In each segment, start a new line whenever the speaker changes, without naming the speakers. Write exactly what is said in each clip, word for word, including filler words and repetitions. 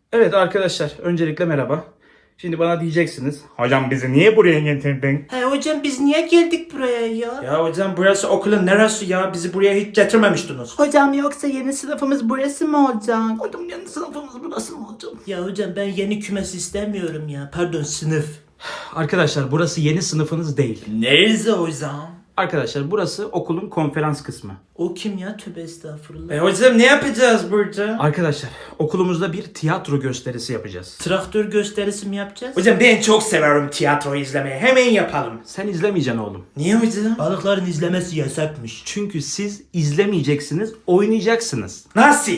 Evet arkadaşlar, öncelikle merhaba. Şimdi bana diyeceksiniz, hocam bizi niye buraya getirdin?
He hocam biz niye geldik buraya ya?
Ya hocam burası okulun neresi ya? Bizi buraya hiç getirmemiştiniz.
Hocam yoksa yeni sınıfımız burası mı olacak? Hocam yeni sınıfımız burası mı olacak? Ya hocam ben yeni kümes istemiyorum ya. Pardon sınıf.
Arkadaşlar burası yeni sınıfınız değil.
Neresi hocam?
Arkadaşlar burası okulun konferans kısmı.
O kim ya? Tövbe estağfurullah.
E hocam ne yapacağız burada?
Arkadaşlar okulumuzda bir tiyatro gösterisi yapacağız.
Traktör gösterisi mi yapacağız?
Hocam ben çok severim tiyatro izlemeyi. Hemen yapalım.
Sen izlemeyeceksin oğlum.
Niye hocam?
Balıkların izlemesi yasakmış.
Çünkü siz izlemeyeceksiniz, oynayacaksınız.
Nasıl?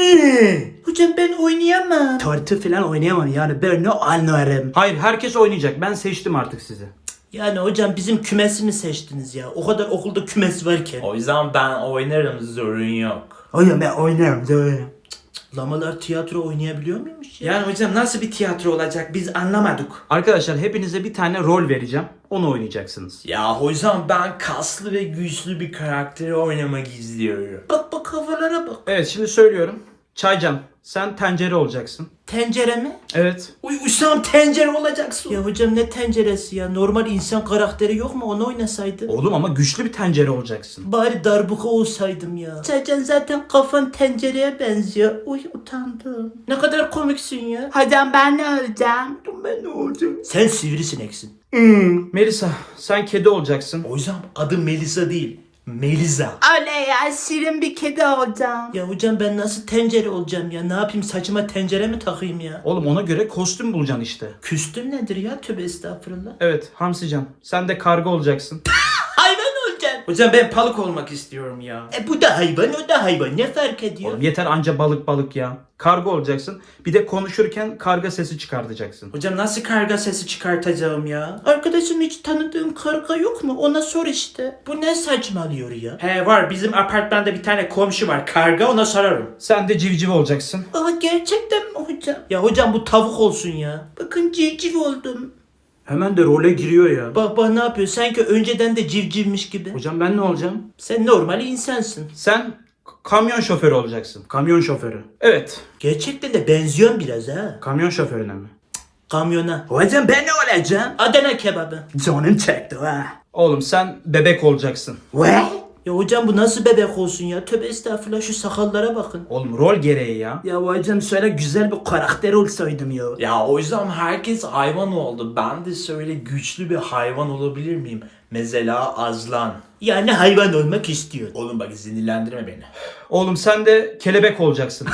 Hocam ben oynayamam. Tartı falan oynayamam yani ben ne anlarım.
Hayır, herkes oynayacak. Ben seçtim artık sizi.
Yani hocam bizim kümesi mi seçtiniz ya? O kadar okulda kümes varken.
O yüzden ben oynarım, sorun yok.
Hocam ben oynarım doğru. Lamalar tiyatro oynayabiliyor muymuş ya?
Yani hocam nasıl bir tiyatro olacak biz anlamadık.
Arkadaşlar hepinize bir tane rol vereceğim. Onu oynayacaksınız.
Ya hocam ben kaslı ve güçlü bir karakteri oynamak istiyorum.
Bak bak havalara bak.
Evet, şimdi söylüyorum. Çaycan, sen tencere olacaksın.
Tencere mi?
Evet.
Uy Hüsam tencere olacaksın.
Ya hocam ne tenceresi ya? Normal insan karakteri yok mu? Onu oynasaydı.
Oğlum ama güçlü bir tencere olacaksın.
Bari darbuka olsaydım ya. Çaycan zaten kafan tencereye benziyor. Uy utandım. Ne kadar komiksin ya. Hocam ben ne olacağım?
Ben ne olacağım?
Sen sivrisineksin.
Melisa, sen kedi olacaksın.
Hocam adı Melisa değil. Melisa.
Oley ya şirin bir kedi olacağım. Ya hocam ben nasıl tencere olacağım ya? Ne yapayım saçıma tencere mi takayım ya?
Oğlum ona göre kostüm bulacaksın işte.
Küstüm nedir ya? Tövbe estağfurullah.
Evet, Hamsican, sen de karga olacaksın.
Hayvan olacaksın.
Hocam ben balık olmak istiyorum ya.
E bu da hayvan o da hayvan. Ne fark ediyor?
Oğlum yeter anca balık balık ya. Karga olacaksın. Bir de konuşurken karga sesi çıkartacaksın.
Hocam nasıl karga sesi çıkartacağım ya?
Arkadaşım hiç tanıdığım karga yok mu? Ona sor işte. Bu ne saçmalıyor ya?
He var, bizim apartmanda bir tane komşu var karga, ona sorarım.
Sen de civciv olacaksın.
Aa gerçekten mi hocam? Ya hocam bu tavuk olsun ya. Bakın civciv oldum.
Hemen de role giriyor ya.
Bak bak ne yapıyor? Sanki önceden de civcivmiş gibi.
Hocam ben ne olacağım?
Sen normal insansın.
Sen k- kamyon şoförü olacaksın. Kamyon şoförü. Evet.
Gerçekten de benziyorsun biraz ha.
Kamyon şoförüne mi?
Kamyona.
Hocam ben ne olacağım?
Adana kebabı.
Canım çekti ha. Oğlum sen bebek olacaksın.
Ve? Ya hocam bu nasıl bebek olsun ya? Tövbe estağfurullah şu sakallara bakın.
Oğlum rol gereği ya.
Ya hocam şöyle güzel bir karakter olsaydım ya.
Ya o yüzden herkes hayvan oldu. Ben de şöyle güçlü bir hayvan olabilir miyim? Mesela azlan.
Yani hayvan olmak istiyor.
Oğlum bak sinirlendirme beni.
Oğlum sen de kelebek olacaksın.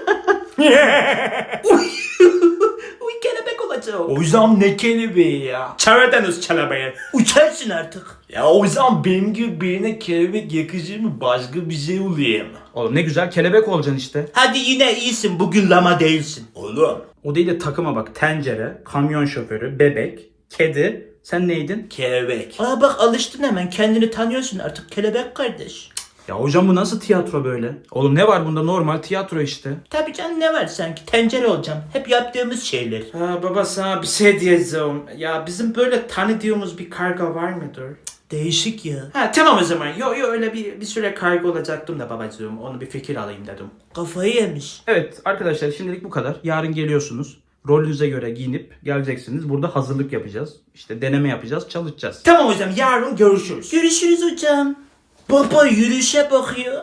Uy kelebek olacağım.
O yüzden ne kelebeği ya? Karadeniz kelebeği.
Uçarsın artık.
Ya o yüzden benim gibi birine kelebek yakışır mı? Başka bir şey olayım.
Oğlum ne güzel kelebek olacaksın işte.
Hadi yine iyisin bugün lama değilsin.
Oğlum.
O değil de takıma bak. Tencere, kamyon şoförü, bebek, kedi. Sen neydin?
Kelebek.
Aa bak alıştın hemen kendini tanıyorsun artık kelebek kardeş.
Ya hocam bu nasıl tiyatro böyle? Oğlum ne var bunda, normal tiyatro işte.
Tabii canım ne var sanki tencere olacağım. Hep yaptığımız şeyler.
Ha, baba sana bir şey diyeceğim. Ya bizim böyle tanıdığımız bir karga var mıdır?
Değişik ya.
Ha tamam o zaman. Yo yo öyle bir, bir süre karga olacaktım da babacığım. Onu bir fikir alayım dedim.
Kafayı yemiş.
Evet arkadaşlar, şimdilik bu kadar. Yarın geliyorsunuz. Rolünüze göre giyinip geleceksiniz. Burada hazırlık yapacağız. İşte deneme yapacağız, çalışacağız.
Tamam hocam, yarın görüşürüz.
Görüşürüz hocam. Baba yürüyüşe bakıyor.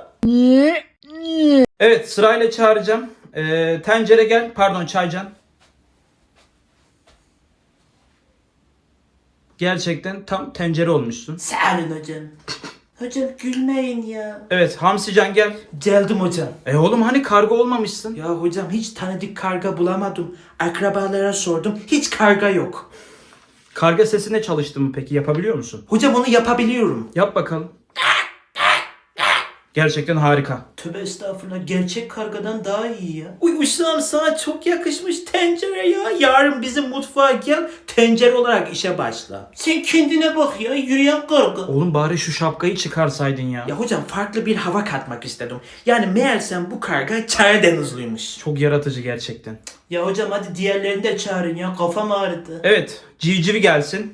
Evet, sırayla çağıracağım. Ee, tencere gel. Pardon, Çaycan. Gerçekten tam tencere olmuşsun.
Sağ olun hocam. Hocam gülmeyin ya.
Evet, Hamsican gel.
Geldim hocam.
E oğlum hani karga olmamışsın?
Ya hocam hiç tanıdık karga bulamadım. Akrabalara sordum. Hiç karga yok.
Karga sesine çalıştın mı peki? Yapabiliyor musun?
Hocam onu yapabiliyorum.
Yap bakalım. Gerçekten harika.
Tövbe estağfurullah gerçek kargadan daha iyi ya.
Uy Hüsam sana çok yakışmış tencere ya. Yarın bizim mutfağa gel. Tencere olarak işe başla.
Sen kendine bak ya yürüyen karga.
Oğlum bari şu şapkayı çıkarsaydın ya.
Ya hocam farklı bir hava katmak istedim. Yani meğersem bu karga Karadenizliymiş.
Çok yaratıcı gerçekten.
Ya hocam hadi diğerlerini de çağırın ya kafam ağrıdı.
Evet, civcivi gelsin.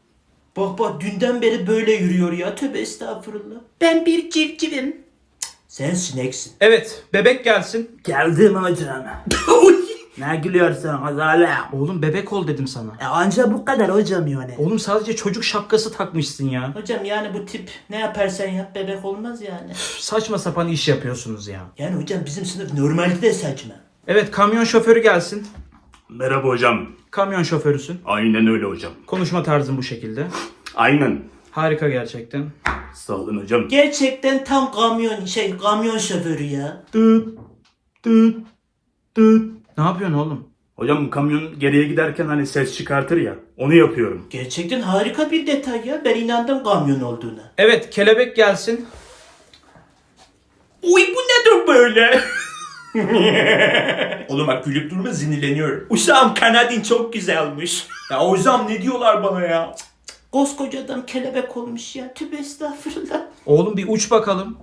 Bak bak dünden beri böyle yürüyor ya tövbe estağfurullah. Ben bir civcivim. Cık, Sen sineksin.
Evet, bebek gelsin.
Geldim hocam. Ne gülüyorsun Hazale?
Oğlum bebek ol dedim sana.
E anca bu kadar hocam yani.
Oğlum sadece çocuk şapkası takmışsın ya.
Hocam yani bu tip ne yaparsan yap bebek olmaz yani.
Üf, saçma sapan iş yapıyorsunuz ya.
Yani hocam bizim sınıf normalde de saçma.
Evet, kamyon şoförü gelsin.
Merhaba hocam.
Kamyon şoförüsün.
Aynen öyle hocam.
Konuşma tarzın bu şekilde.
Aynen.
Harika gerçekten.
Sağ olun hocam.
Gerçekten tam kamyon şey kamyon şoförü ya.
Dıt, dıt, dıt. Ne yapıyorsun oğlum?
Hocam kamyon geriye giderken hani ses çıkartır ya. Onu yapıyorum.
Gerçekten harika bir detay ya. Ben inandım kamyon olduğuna.
Evet, kelebek gelsin.
Uy bu nedir böyle? Oğlum bak gülüp durma sinirleniyorum. Uşağım kanadin çok güzelmiş. Ya hocam ne diyorlar bana ya?
Koskoca adam kelebek olmuş ya. Tübe estağfurullah.
Oğlum bir uç bakalım.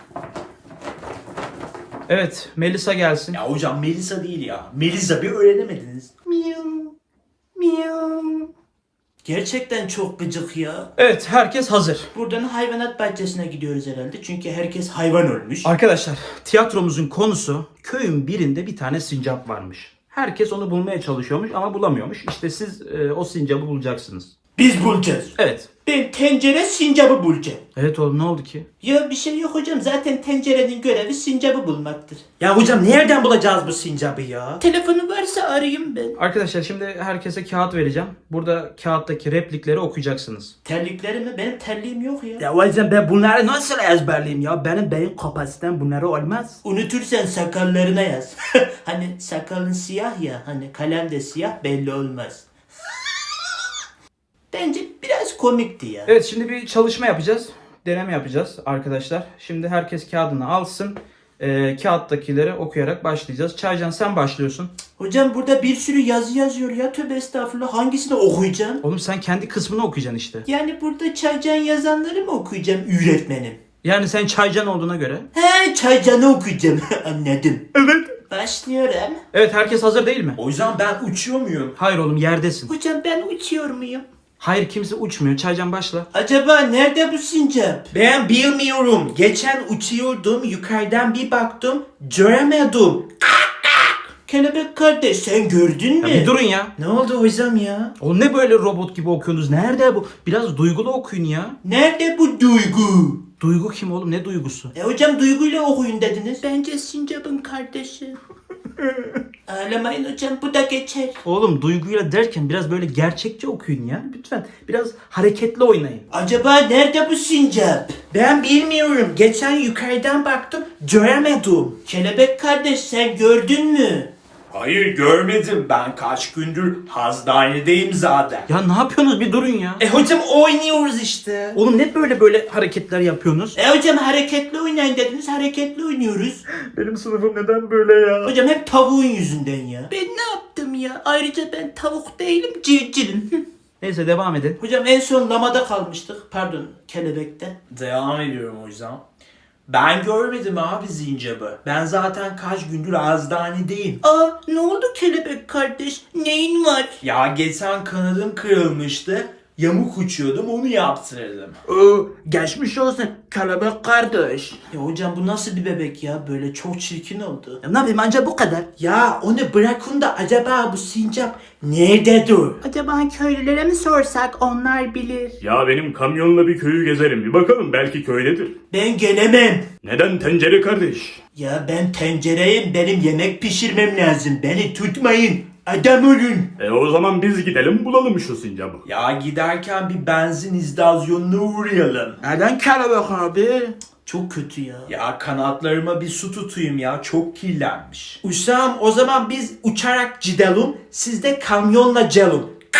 Evet, Melisa gelsin.
Ya hocam Melisa değil ya. Melisa bir öğrenemediniz.
Miyav. Miyav. Gerçekten çok gıcık ya.
Evet, herkes hazır.
Buradan hayvanat bahçesine gidiyoruz herhalde. Çünkü herkes hayvan ölmüş.
Arkadaşlar, tiyatromuzun konusu köyün birinde bir tane sincap varmış. Herkes onu bulmaya çalışıyormuş ama bulamıyormuş. İşte siz e, o sincabı bulacaksınız.
Biz bulacağız.
Evet.
Ben tencere sincabı bulacağım.
Evet oğlum, ne oldu ki?
Ya bir şey yok hocam. Zaten tencerenin görevi sincabı bulmaktır.
Ya hocam nereden bulacağız bu sincabı ya?
Telefonu varsa arayayım ben.
Arkadaşlar şimdi herkese kağıt vereceğim. Burada kağıttaki replikleri okuyacaksınız.
Terliklerimi benim terliğim yok ya.
Ya hocam ben bunları nasıl ezberleyeyim ya? Benim beyin kapasitem bunları olmaz.
Unutursan sakallarına yaz. Hani sakalın siyah ya. Hani kalem de siyah belli olmaz. Bence biraz komikti ya.
Evet, şimdi bir çalışma yapacağız. Deneme yapacağız arkadaşlar. Şimdi herkes kağıdını alsın. Ee, kağıttakileri okuyarak başlayacağız. Çaycan sen başlıyorsun.
Hocam burada bir sürü yazı yazıyor ya. Tövbe estağfurullah. Hangisini okuyacağım?
Oğlum sen kendi kısmını okuyacaksın işte.
Yani burada Çaycan yazanları mı okuyacağım öğretmenim?
Yani sen Çaycan olduğuna göre.
He Çaycan'ı okuyacağım. Anladım.
Evet.
Başlıyorum.
Evet, herkes hazır değil mi?
O yüzden ben uçuyor muyum?
Hayır oğlum, yerdesin.
Hocam ben uçuyor muyum?
Hayır, kimse uçmuyor. Çaycan başla.
Acaba nerede bu sincap?
Ben bilmiyorum. Geçen uçuyordum yukarıdan bir baktım göremedim.
Kelebek kardeş sen gördün mü?
Ya bir durun ya.
Ne oldu hocam ya?
Oğlum ne böyle robot gibi okuyorsunuz? Nerede bu? Biraz duygulu okuyun ya.
Nerede bu duygu?
Duygu kim oğlum? Ne duygusu?
E hocam duyguyla okuyun dediniz. Bence sincapın kardeşi. Ağlamayın hocam bu da geçer.
Oğlum duyguyla derken biraz böyle gerçekçi okuyun ya. Lütfen biraz hareketli oynayın.
Acaba nerede bu sincap?
Ben bilmiyorum. Geçen yukarıdan baktım göremedim.
Kelebek kardeş sen gördün mü?
Hayır görmedim. Ben kaç gündür hastanedeyim zaten.
Ya ne yapıyorsunuz? Bir durun ya.
E hocam oynuyoruz işte.
Oğlum ne böyle böyle hareketler yapıyorsunuz?
E hocam hareketli oynayın dediniz hareketli oynuyoruz.
Benim sınıfım neden böyle ya?
Hocam hep tavuğun yüzünden ya. Ben ne yaptım ya? Ayrıca ben tavuk değilim civcivim.
Neyse devam edin.
Hocam en son lamada kalmıştık. Pardon kelebekte.
Devam ediyorum hocam. Ben görmedim abi zincabı. Ben zaten kaç gündür hastanedeyim.
Aa ne oldu kelebek kardeş? Neyin var?
Ya geçen kanadım kırılmıştı. Yamuk uçuyordum onu yaptırdım.
Oo, geçmiş olsun kelebek kardeş.
Ya hocam bu nasıl bir bebek ya? Böyle çok çirkin oldu.
Ya ne yapayım anca bu kadar.
Ya onu bırakın da acaba bu sincap nerededir?
Acaba köylülere mi sorsak onlar bilir.
Ya benim kamyonla bir köyü gezerim. Bir bakalım belki köydedir.
Ben gelemem.
Neden tencere kardeş?
Ya ben tencereyim. Benim yemek pişirmem lazım. Beni tutmayın. Adam olun.
E o zaman biz gidelim bulalım şu sincabı.
Ya giderken bir benzin istasyonuna uğrayalım.
Neden kelebek abi?
Çok kötü ya.
Ya kanatlarıma bir su tutayım ya çok kirlenmiş. Uşağım o zaman biz uçarak gidelim siz de kamyonla gelin.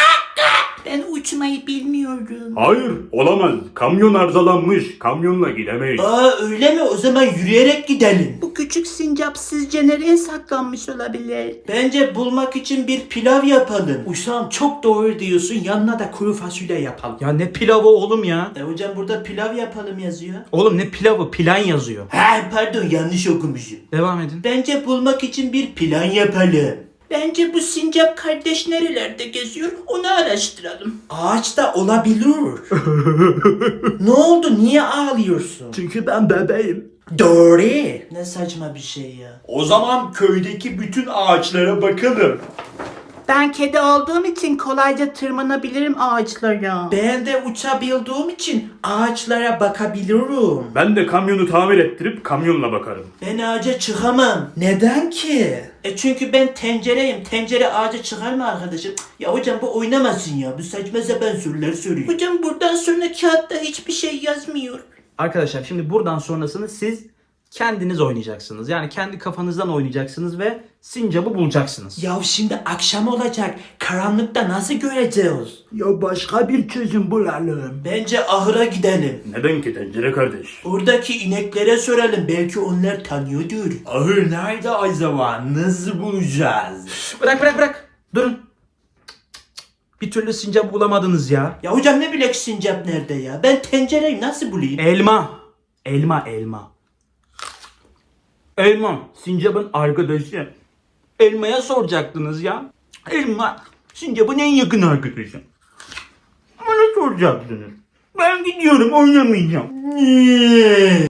Ben uçmayı bilmiyorum.
Hayır olamaz. Kamyon arızalanmış. Kamyonla gidemeyiz.
Aa öyle mi? O zaman yürüyerek gidelim.
Bu küçük sincap sizce nereye saklanmış olabilir?
Bence bulmak için bir pilav yapalım.
Uşağım çok doğru diyorsun yanına da kuru fasulye yapalım.
Ya ne pilavı oğlum ya?
E hocam burada pilav yapalım yazıyor.
Oğlum ne pilavı? Plan yazıyor.
Ha pardon yanlış okumuşum.
Devam edin.
Bence bulmak için bir plan yapalım.
Bence bu sincap kardeş nerelerde geziyor onu araştıralım.
Ağaçta olabilir. Ne oldu niye ağlıyorsun?
Çünkü ben bebeğim.
Doğru.
Ne saçma bir şey ya.
O zaman köydeki bütün ağaçlara bakalım.
Ben kedi olduğum için kolayca tırmanabilirim ağaçlara.
Ben de uçabildiğim için ağaçlara bakabilirim.
Ben de kamyonu tamir ettirip kamyonla bakarım.
Ben ağaca çıkamam.
Neden ki?
E çünkü ben tencereyim. Tencere ağaca çıkar mı arkadaşım? Ya hocam bu oynamasın ya. Bu saçma sapan sorular soruyor.
Hocam buradan sonra kağıtta hiçbir şey yazmıyor.
Arkadaşlar şimdi buradan sonrasını siz kendiniz oynayacaksınız. Yani kendi kafanızdan oynayacaksınız ve sincabı bulacaksınız.
Ya şimdi akşam olacak. Karanlıkta nasıl göreceğiz?
Ya başka bir çözüm bulalım.
Bence ahıra gidelim.
Neden ki tencere kardeş?
Oradaki ineklere soralım. Belki onlar tanıyordur.
Ahır nerede acaba? Nasıl bulacağız?
Bırak bırak bırak. Durun. Bir türlü sincap bulamadınız ya.
Ya hocam ne bilek sincap nerede ya? Ben tencereyi nasıl bulayım?
Elma. Elma elma. Elma. Sincap'ın arkadaşı. Elma'ya soracaktınız ya. Elma. Sincap'ın en yakın arkadaşı. Bana soracaksınız. Ben gidiyorum oynamayacağım.